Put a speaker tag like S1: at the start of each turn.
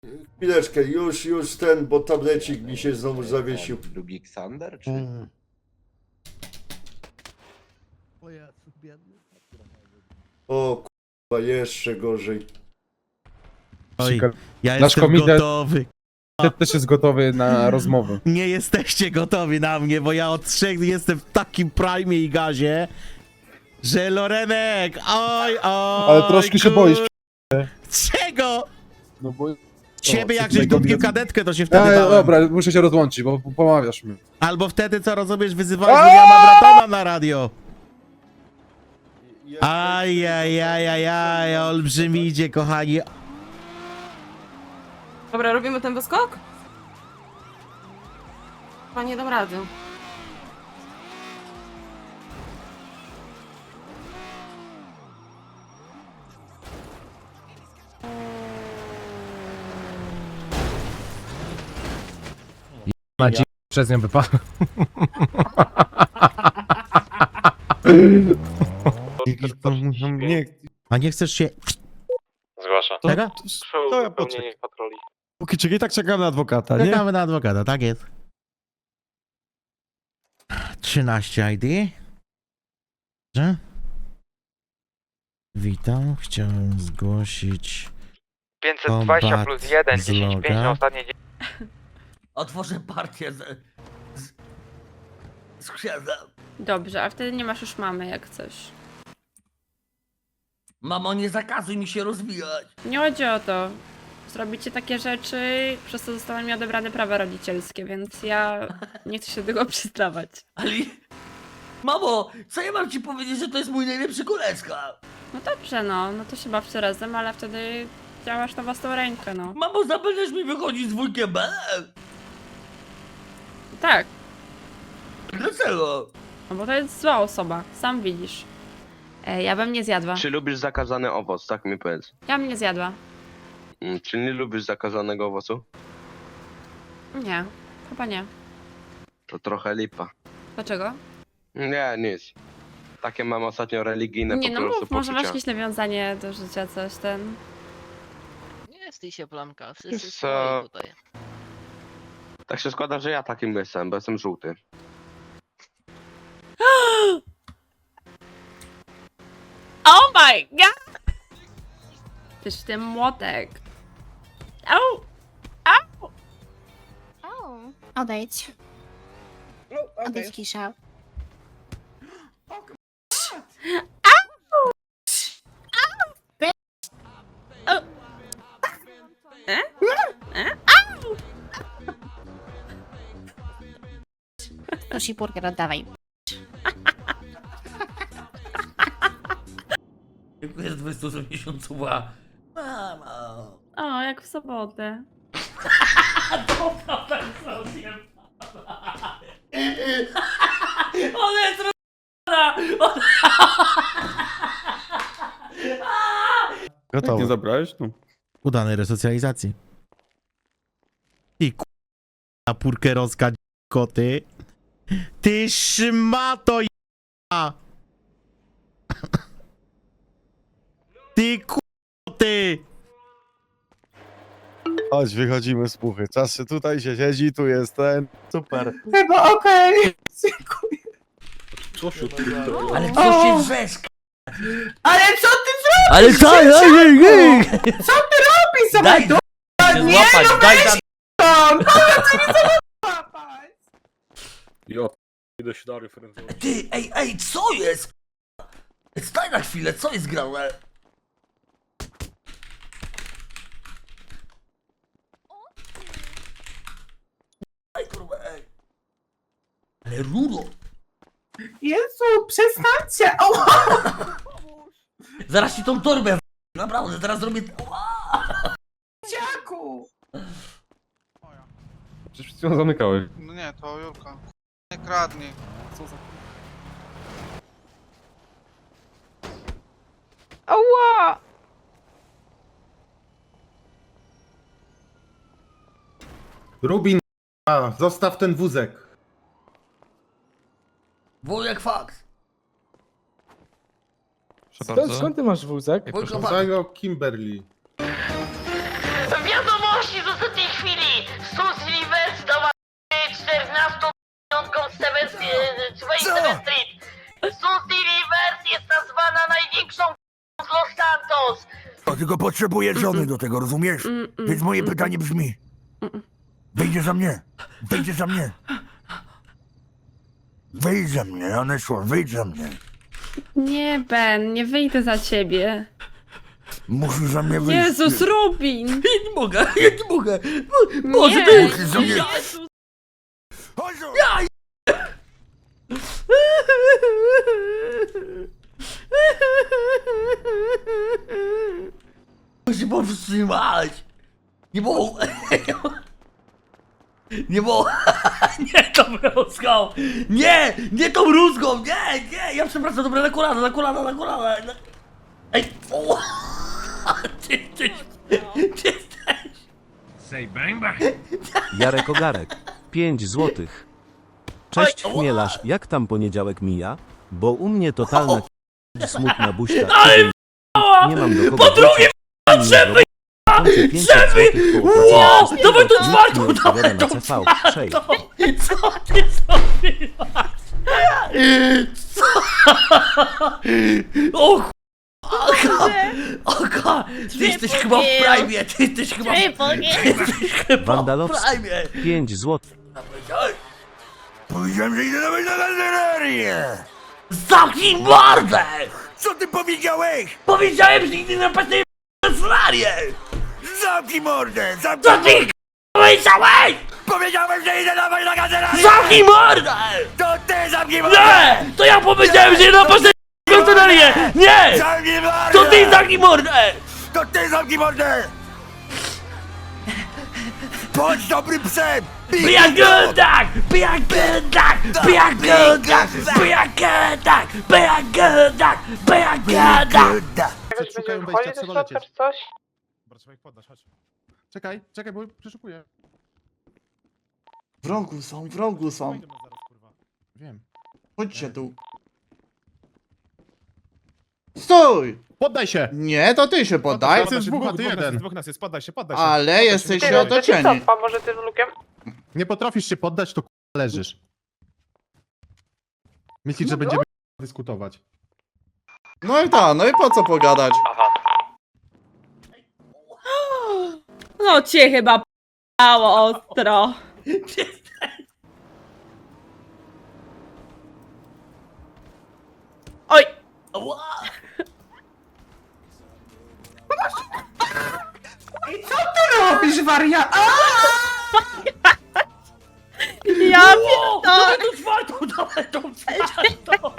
S1: Chwileczkę, już ten, bo tablecik mi się znowu zawiesił.
S2: Drugi Ksander, czy?
S1: O kurwa, jeszcze gorzej.
S3: Oj, ja
S4: Nasz
S3: jestem
S4: komitet-
S3: gotowy.
S4: Też jest gotowy na rozmowę.
S3: Nie jesteście gotowi na mnie, bo ja od 3 jestem w takim prime i gazie, że Lorenek, oj,
S4: Ale troszkę się boisz.
S3: Czego?
S4: No bo...
S3: Ciebie jak
S4: tutaj
S3: żeś dupił
S4: komitet-
S3: kadetkę, to się wtedy bałem.
S4: Dobra, muszę się rozłączyć, bo pomawiasz mnie.
S3: Albo wtedy, co rozumiesz, wyzywałeś Williama Bratona na radio. Ajajajajaj, olbrzymidzie, kochani.
S5: Dobra, robimy ten wyskok? Chyba nie dam rady.
S4: Maciej przez nią wypadł.
S3: Nie. A nie chcesz się...
S6: Zgłasza.
S3: Czego?
S6: To ja poczekam. Patroli.
S7: Póki czekaj, tak czekam na adwokata, nie?
S3: Czekamy na adwokata, tak jest. 13 ID. Że? Witam, chciałem zgłosić
S6: 520 plus 1,
S3: z
S6: 10, 5
S3: loga.
S6: na ostatnie
S8: Otworzę partię z księdzem.
S5: Dobrze, a wtedy nie masz już mamy jak coś.
S8: Mamo, nie zakazuj mi się rozwijać.
S5: Nie chodzi o to. Zrobicie takie rzeczy, przez co zostaną mi odebrane prawa rodzicielskie, więc ja nie chcę się do tego przyznawać.
S8: Ale... Mamo, co ja mam ci powiedzieć, że to jest mój najlepszy koleżka?
S5: No dobrze, no to się bawcie razem, ale wtedy działasz na własną rękę, no.
S8: Mamo, zapewniasz mi wychodzić z wujkiem B?
S5: Tak,
S8: Dlaczego?
S5: no bo to jest zła osoba, sam widzisz. Ja bym nie zjadła.
S2: Czy lubisz zakazany owoc, tak mi powiedz.
S5: Ja bym nie zjadła.
S2: Czy nie lubisz zakazanego owocu?
S5: Nie, chyba nie.
S2: To trochę lipa.
S5: Dlaczego?
S2: Nie, nic. Takie mam ostatnio religijne
S5: Nie,
S2: po
S5: no
S2: prostu
S5: mów, może masz
S2: poczucia.
S5: jakieś nawiązanie do życia, coś ten.
S9: Nie stij się, Blanka, wszyscy
S2: Wiesz
S9: swoi
S2: co?
S9: tutaj.
S2: Tak się składa, że ja takim jestem, bo jestem żółty.
S5: Oh my god! Przecież ten młotek. Au!
S10: Odejdź. Odejdź, Kisza. Prosi burger, oddawaj.
S8: Dziękuję za 20 miesiącowa. Mamo.
S5: O, jak w sobotę.
S8: Dobra, tak sobie. Ona jest roz***na!
S7: Jak nie zabrałeś? No.
S3: Udanej resocjalizacji. I k***a purkerowska koty. Ty szmato j***a. Ty k***ty.
S7: Chodź, wychodzimy z puchy. Czas się tutaj się siedzi, tu jest ten. Super.
S10: Chyba okej.
S8: Ale co się drzesz?
S10: Ale co ty
S8: Ale co?
S10: robisz?
S8: Daj się złapać, daj za...
S7: Jo, idę się do referencji.
S8: Ty, ej, co jest? Staj na chwilę, co jest grane? Ej, kurwa, ej. Ale Ruro!
S10: Jezu, przestańcie! O!
S8: Zaraz ci tą torbę naprawdę, zaraz zrobię...
S10: Dziaku!
S4: Przecież przed chwilą zamykałeś.
S6: No nie, to Julka. Nie kradnij.
S4: Co za...
S5: Ała!
S1: Rubin, zostaw ten wózek.
S8: Wujek faks!
S4: Skąd ty masz wózek?
S8: Wujek faks!
S1: Kimberly.
S9: Wiadomości
S11: Tylko potrzebuję żony do tego, rozumiesz? Więc moje pytanie brzmi. Wyjdzie za mnie. Wyjdzie za mnie. Wyjdź za mnie, Aneszło, wyjdź za mnie.
S5: Nie, Ben, nie wyjdę za ciebie.
S11: Musisz za mnie wyjść.
S5: Jezus, Rubin!
S8: Ja nie mogę, ja nie mogę. Boże,
S5: Nie.
S8: ty...
S11: Musisz za mnie...
S5: Jezus!
S11: Chodź tu!
S8: Muszę się powstrzymać. Nie mogę. Nie mogę. Nie tą rózgą. Nie, nie tą rózgą. Nie, nie. Ja przepraszam, dobra, na kolana, na kolana, na kolana. Ej, o. Ty jesteś...
S12: Jarek Ogarek, 5 złotych. Cześć
S8: Oj,
S12: chmielarz, jak tam poniedziałek mija? Bo u mnie totalna smutna buźka. Nie mam do kogo
S8: Po drugie,
S12: żeby
S8: Ło, dawaj to czwartą, dawaj to
S12: CV.
S8: Co ty zrobiłaś? Co? O ch... Oka, ty jesteś chyba w prime, ty jesteś chyba w
S12: Wandalowski,
S8: prime.
S12: 5 złotych.
S11: Powiedziałem, że idę nawet na galerię!
S8: Zamknij mordę!
S11: Co ty powiedziałeś?
S8: Powiedziałem, że nigdy na pewnej solarię!
S11: Zamknij mordę!
S8: Co
S11: Zamknij
S8: ty powiedziałeś?
S11: Powiedziałem, że idę nawet na galerię!
S8: Zamknij mordę!
S11: To ty zamknij mordę!
S8: Nie! To ja powiedziałem, że na pewnej solarię! Nie!
S11: Zamknij mordę!
S8: To ty zamknij mordę!
S11: To ty zamknij mordę! Bądź dobrym psem!
S8: Biagodak! Biagodak! Biagodak! Biagodak! Biagodak! Biagodak!
S4: Szukają wejścia, trzeba lecieć. Dobra, trzeba ich poddać, chodź. Czekaj, czekaj, bo przeszukuję.
S1: W rogu są.
S4: Idę zaraz, kurwa. Wiem.
S1: Chodźcie tu. Stój!
S4: Poddaj się!
S1: Nie, to ty się poddaj.
S4: Jest dwóch, a ty jeden. Dwóch nas jest, poddaj się, poddaj się.
S1: Ale jesteście otoczeni.
S6: może ty z lukiem?
S4: Nie potrafisz się poddać, to k***a leżysz. Myślisz, że będziemy dyskutować.
S1: No i tak, no i po co pogadać?
S5: No cię chyba p***ało ostro. Oj!
S10: I co ty robisz, waria?
S5: Ja
S8: Dawaj tą czwartą, dawaj tą czwartą!